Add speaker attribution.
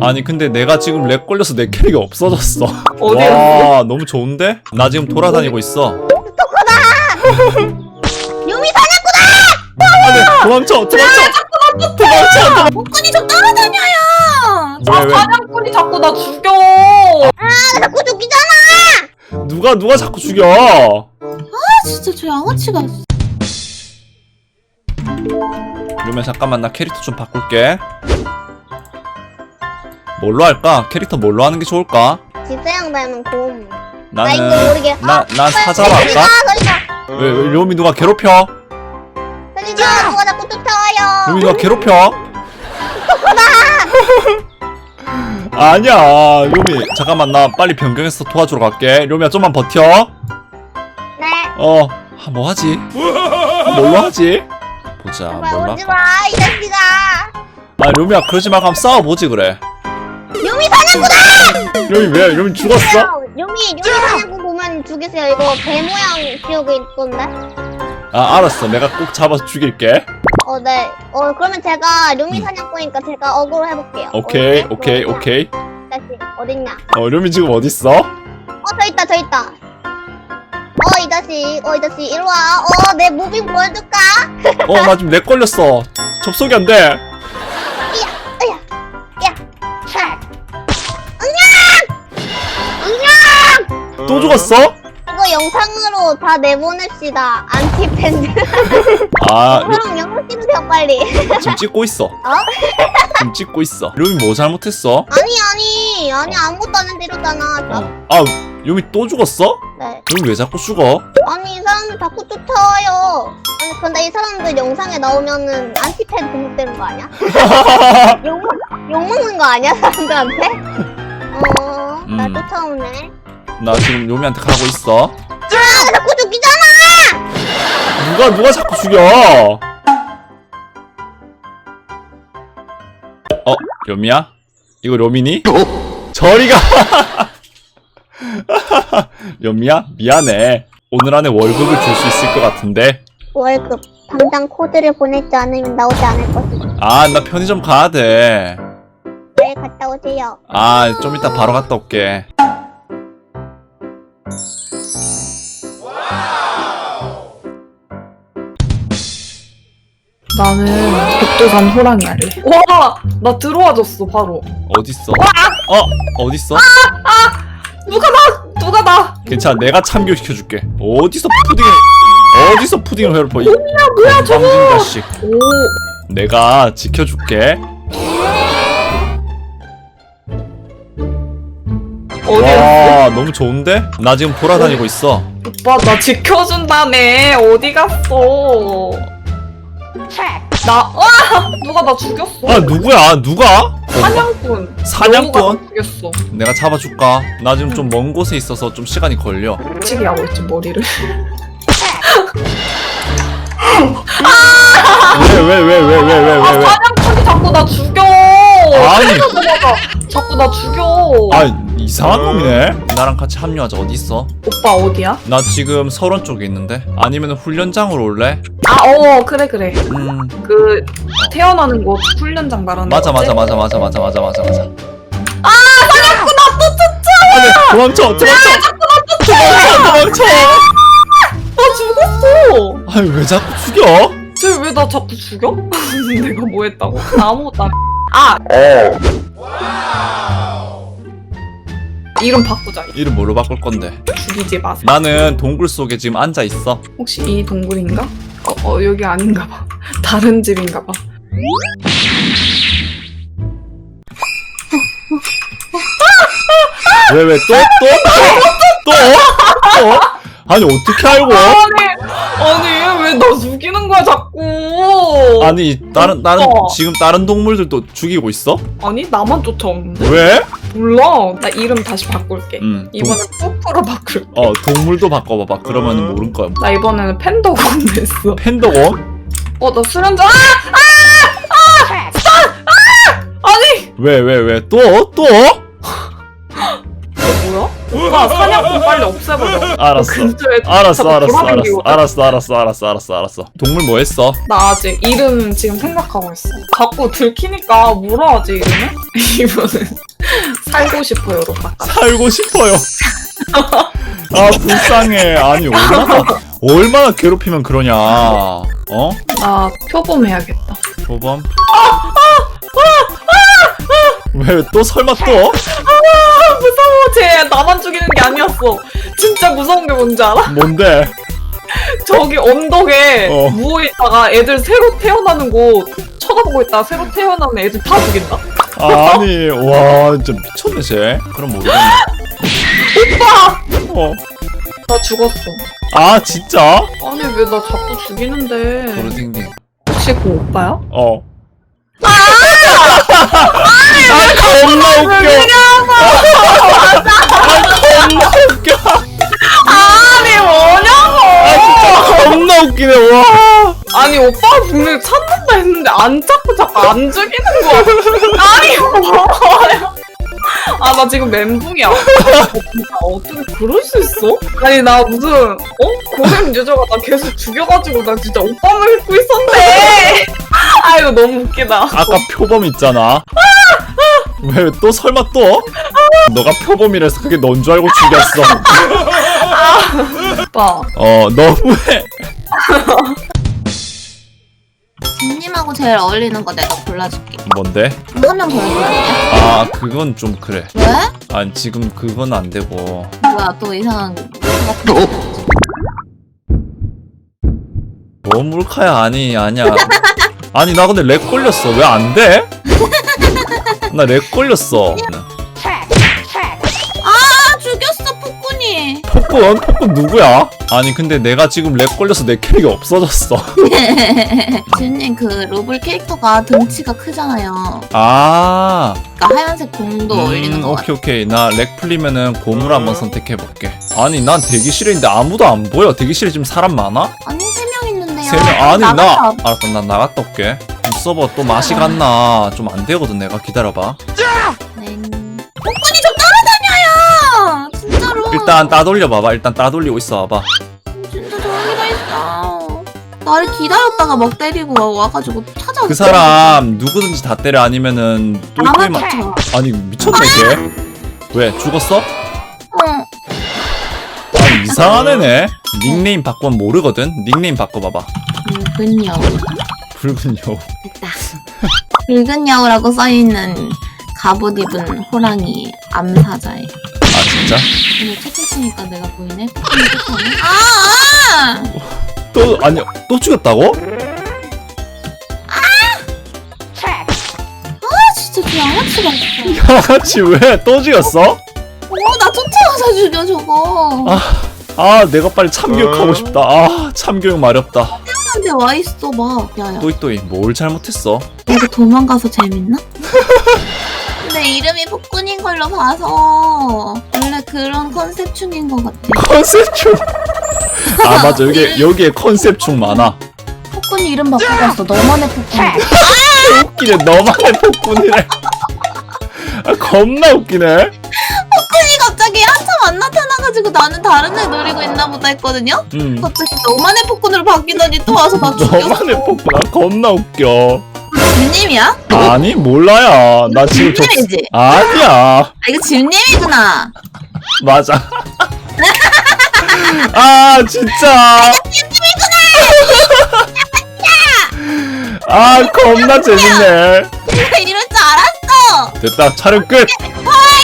Speaker 1: 아니 근데 내가 지금 렉 걸려서 내 캐릭이 없어졌어.
Speaker 2: 어디야?
Speaker 1: 와 너무 좋은데? 나 지금 돌아다니고 있어.
Speaker 3: 유미 사냥꾼아!
Speaker 1: 안돼 도망쳐 도망쳐.
Speaker 3: 복근이 좀 따라다녀요.
Speaker 1: 왜?
Speaker 2: 사냥꾼이 자꾸 나 죽여.
Speaker 3: 나 자꾸 죽이잖아.
Speaker 1: 누가 자꾸 죽여?
Speaker 3: 진짜 저 양아치가.
Speaker 1: 그러면 잠깐만 나 캐릭터 좀 바꿀게. 뭘로 할까? 캐릭터 뭘로 하는 게 좋을까?
Speaker 3: 지세양 닮은 곰.
Speaker 1: 나는
Speaker 3: 이거 모르게.
Speaker 1: 나 사자로 할까? 왜 료미 누가 괴롭혀?
Speaker 3: 살리자. 누가 자꾸 쫓아와요.
Speaker 1: 료미 누가 괴롭혀? 아니야 료미 잠깐만 나 빨리 변경해서 도와주러 갈게. 료미야 좀만 버텨.
Speaker 3: 네.
Speaker 1: 뭐 하지? 뭘로 하지? 보자
Speaker 3: 제발
Speaker 1: 뭘로
Speaker 3: 오지
Speaker 1: 할까?
Speaker 3: 마, 이 자식아.
Speaker 1: 아 료미야 그러지 말고 한번 싸워보지 그래.
Speaker 3: 유미 사냥꾼아!
Speaker 1: 료미 왜? 료미 죽었어?
Speaker 3: 유미 사냥꾼 보면 죽이세요. 이거 배 모양 지옥에 있던데.
Speaker 1: 아 알았어 내가 꼭 잡아서 죽일게.
Speaker 3: 네. 그러면 제가 류미 사냥꾼이니까 제가 어그로 해볼게요.
Speaker 1: 오케이
Speaker 3: 어디지?
Speaker 1: 오케이.
Speaker 3: 다시 어딨냐?
Speaker 1: 료미 지금 어딨어?
Speaker 3: 저 있다. 이 자식 이리 와. 내 무빙 보여줄까?
Speaker 1: 나 지금 렉 걸렸어. 접속이 안 돼.
Speaker 3: 야, 차.
Speaker 1: 또 죽었어?
Speaker 3: 이거 영상으로 다 내보냅시다. 안티팬들. 형 영상 찍으세요 빨리.
Speaker 1: 지금 찍고 있어. 지금 찍고 있어. 료미 뭐 잘못했어?
Speaker 3: 아니 아무것도 안 했는데 이러잖아.
Speaker 1: 료미 또 죽었어?
Speaker 3: 네.
Speaker 1: 료미 왜 자꾸 죽어?
Speaker 3: 아니 이 사람들 자꾸 쫓아와요. 아니 근데 이 사람들 영상에 나오면은 안티팬 등록되는 거 아니야? 욕 먹는 거 아니야 사람들한테? 나 쫓아오네.
Speaker 1: 나 지금 료미한테 가고 있어.
Speaker 3: 나 자꾸 죽이잖아.
Speaker 1: 누가 자꾸 죽여? 료미야? 이거 료미니? 저리가! 료미야? 미안해. 오늘 안에 월급을 줄 수 있을 것 같은데.
Speaker 3: 월급 당장 코드를 보내지 않으면 나오지 않을 것이다.
Speaker 1: 나 편의점 가야 돼.
Speaker 3: 빨리 갔다 오세요.
Speaker 1: 좀 이따 바로 갔다 올게.
Speaker 2: 나는 백두산 호랑이 할래. 와, 나 들어와줬어 바로.
Speaker 1: 어딨어? 어딨어?
Speaker 2: 누가 나?
Speaker 1: 괜찮아 내가 참교시켜줄게. 어디서 푸딩을 해롭어 이
Speaker 2: 뭐야 저거?
Speaker 1: 건방진 자식.
Speaker 2: 오,
Speaker 1: 내가 지켜줄게.
Speaker 2: 어디야?
Speaker 1: 와 너무 좋은데? 나 지금 돌아다니고 있어.
Speaker 2: 오빠 나 지켜준다며. 어디 갔어? 누가 나 죽였어?
Speaker 1: 누구야? 누가?
Speaker 2: 사냥꾼.
Speaker 1: 사냥꾼?
Speaker 2: 너가 나 죽였어.
Speaker 1: 내가 잡아줄까? 나 지금 좀 먼 곳에 있어서 좀 시간이 걸려.
Speaker 2: 미치게 하고 있지 머리를.
Speaker 1: 왜?
Speaker 2: 사냥꾼이 자꾸 나 죽여.
Speaker 1: 아니.
Speaker 2: 자꾸 나 죽여.
Speaker 1: 이상한 놈이네. 나랑 같이 합류하자. 어디 있어?
Speaker 2: 오빠 어디야?
Speaker 1: 나 지금 설원 쪽에 있는데. 아니면 훈련장으로 올래?
Speaker 2: 그래.
Speaker 1: 음.
Speaker 2: 그 태어나는 곳 훈련장 말하는
Speaker 1: 맞아.
Speaker 2: 거지?
Speaker 1: 사냥꾼
Speaker 2: 나또 쫓아.
Speaker 1: 도망쳐.
Speaker 2: 나 죽었어.
Speaker 1: 왜 자꾸 죽여?
Speaker 2: 쟤 왜 나 자꾸 죽여? 내가 뭐 했다고? 나 아무것도 안 이름 바꾸자.
Speaker 1: 이름 뭘로 바꿀 건데?
Speaker 2: 죽이지 마세요.
Speaker 1: 나는 동굴 속에 지금 앉아 있어.
Speaker 2: 혹시 이 동굴인가? 여기 아닌가 봐. 다른 집인가 봐.
Speaker 1: 왜 또? 아니 어떻게 알고?
Speaker 2: 아니 왜 나 죽이는 거야 자꾸?
Speaker 1: 아니 다른
Speaker 2: 오빠.
Speaker 1: 지금 다른 동물들도 죽이고 있어?
Speaker 2: 아니 나만 쫓아오는데?
Speaker 1: 왜?
Speaker 2: 몰라. 나 이름 다시 바꿀게. 이번엔 푸푸로 바꿀게.
Speaker 1: 동물도 바꿔봐봐. 그러면 모를 거야.
Speaker 2: 나 이번에는 팬더곤 됐어.
Speaker 1: 팬더곤?
Speaker 2: 나 수련자. 아니
Speaker 1: 왜? 또?
Speaker 2: 뭐야? 누가 사냥꾼 빨리 없애버려.
Speaker 1: 알았어.
Speaker 2: 근처에
Speaker 1: 알았어,
Speaker 2: 자꾸
Speaker 1: 알았어,
Speaker 2: 돌아다니거든.
Speaker 1: 알았어. 동물 뭐 했어?
Speaker 2: 나 아직 이름 지금 생각하고 있어. 자꾸 들키니까 뭐라 하지 이름을? 이분은 살고 싶어요로 바꿔.
Speaker 1: 살고 싶어요. 아, 불쌍해. 아니, 얼마나 괴롭히면 그러냐. 어?
Speaker 2: 나 표범해야겠다.
Speaker 1: 조범? 왜 또 설마 또?
Speaker 2: 무서워. 쟤 나만 죽이는 게 아니었어. 진짜 무서운 게 뭔지 알아?
Speaker 1: 뭔데?
Speaker 2: 저기 언덕에
Speaker 1: 어.
Speaker 2: 누워있다가 애들 새로 태어나는 거 쳐다보고 있다가 새로 태어나는 애들 다 죽인다?
Speaker 1: 아니, 와, 진짜 미쳤네, 쟤. 그럼 모르겠네.
Speaker 2: 오빠!
Speaker 1: 어.
Speaker 2: 나 죽었어.
Speaker 1: 아, 진짜?
Speaker 2: 아니 왜 나 자꾸 죽이는데.
Speaker 1: 도르딩딩.
Speaker 2: 혹시 그 오빠야?
Speaker 1: 어. 아, 겁나 웃겨. 겁나 웃겨.
Speaker 2: 아니 뭐냐고!
Speaker 1: 진짜 겁나 웃기네, 와.
Speaker 2: 아니 오빠가 분명히 찾는다 했는데 안 찾고 자꾸 안 죽이는 거야. 아니 뭐야? 아 나 지금 멘붕이야. 어떻게 그럴 수 있어? 아니 나 무슨 고샘 유저가 나 계속 죽여가지고 나 진짜 오빠만 믿고 있었네. 아 이거 너무 웃기다.
Speaker 1: 아까 표범 있잖아. 왜 또 설마 또? 너가 표범이라서 그게 넌 줄 알고 죽였어.
Speaker 2: 오빠
Speaker 1: 너무해.
Speaker 3: 님하고 제일 어울리는 거 내가 골라줄게.
Speaker 1: 뭔데?
Speaker 3: 한 명 더 해줘야
Speaker 1: 아, 그건 좀 그래.
Speaker 3: 왜?
Speaker 1: 아니, 지금 그건 안 되고.
Speaker 3: 뭐야 또 이상한 거 같은
Speaker 1: 뭐 몰카야? 아니야. 아니, 나 근데 렉 걸렸어. 왜 안 돼? 나 렉 걸렸어.
Speaker 3: 아 죽였어 폭군이.
Speaker 1: 폭군 누구야? 아니, 근데 내가 지금 렉 걸려서 내 캐릭이 없어졌어.
Speaker 3: 지은님 그 로블 캐릭터가 등치가 크잖아요.
Speaker 1: 아,
Speaker 3: 그러니까 하얀색 공도 어울리는 거 같아.
Speaker 1: 오케이. 나 렉 풀리면은 고물 한번 선택해볼게. 아니, 난 대기실에 있는데 아무도 안 보여. 대기실에 지금 사람 많아?
Speaker 3: 아니 3명 있는데요.
Speaker 1: 3명? 아니,
Speaker 3: 나가서
Speaker 1: 알았어. 난 나갔다 올게. 이 서버 또 맛이 갔나. 좀 안 되거든, 내가. 기다려봐.
Speaker 3: 네. 폭군이 좀 따라다녀요. 진짜로.
Speaker 1: 일단 따돌려봐봐. 일단 따돌리고 있어 봐봐.
Speaker 3: 진짜 저기가 있어. 나를 기다렸다가 막 때리고 와가지고 찾아왔어.
Speaker 1: 그 사람 누구든지 다 때려. 아니면은
Speaker 3: 나만
Speaker 1: 똘똘이만.
Speaker 3: 쫓아.
Speaker 1: 아니, 미쳤네 걔. 왜 죽었어?
Speaker 3: 응.
Speaker 1: 아니, 이상한 애네. 닉네임 바꾸면 모르거든. 닉네임 바꿔봐봐.
Speaker 3: 붉은 여우.
Speaker 1: 붉은 여우.
Speaker 3: 됐다. 붉은 여우라고 써있는 갑옷 입은 호랑이 암사자애.
Speaker 1: 아, 진짜?
Speaker 3: 근데 채팅 치니까 내가 보이네? 폭군이 쫓아오네? 아!
Speaker 1: 또 아니, 또 죽였다고?
Speaker 3: 아 진짜 그 양아치가 있어.
Speaker 1: 양아치 왜 또 죽였어?
Speaker 3: 나 쫓아가서 죽여 저거.
Speaker 1: 아, 내가 빨리 참교육하고 싶다. 아, 참교육 마렵다.
Speaker 3: 근데 와있어 봐. 야야.
Speaker 1: 또이 뭘 잘못했어?
Speaker 3: 이거 도망가서 재밌나? 근데 이름이 폭군인 걸로 봐서 원래 그런 컨셉충인 것 같아.
Speaker 1: 컨셉충. 아, 맞아. 여기에 컨셉충 많아.
Speaker 3: 폭군이 이름 바꿔봤어. 너만의 폭군.
Speaker 1: 웃기네. 너만의 폭군이래. 아, 겁나 웃기네.
Speaker 3: 폭군이 갑자기 한참 안 나타나가지고 나는 다른 애 노리고 있나 보다 했거든요? 갑자기 너만의 폭군으로 바뀌더니 또 와서 나 죽였어.
Speaker 1: 너만의 폭군. 아, 겁나 웃겨.
Speaker 3: 집님이야?
Speaker 1: 아니, 몰라야. 나 지금
Speaker 3: 집님이지?
Speaker 1: 아니야.
Speaker 3: 아 이거 집님이구나.
Speaker 1: 맞아. 아, 진짜. 아, 겁나 재밌네.
Speaker 3: 내가 이럴 줄 알았어.
Speaker 1: 됐다. 촬영 끝.
Speaker 3: 헐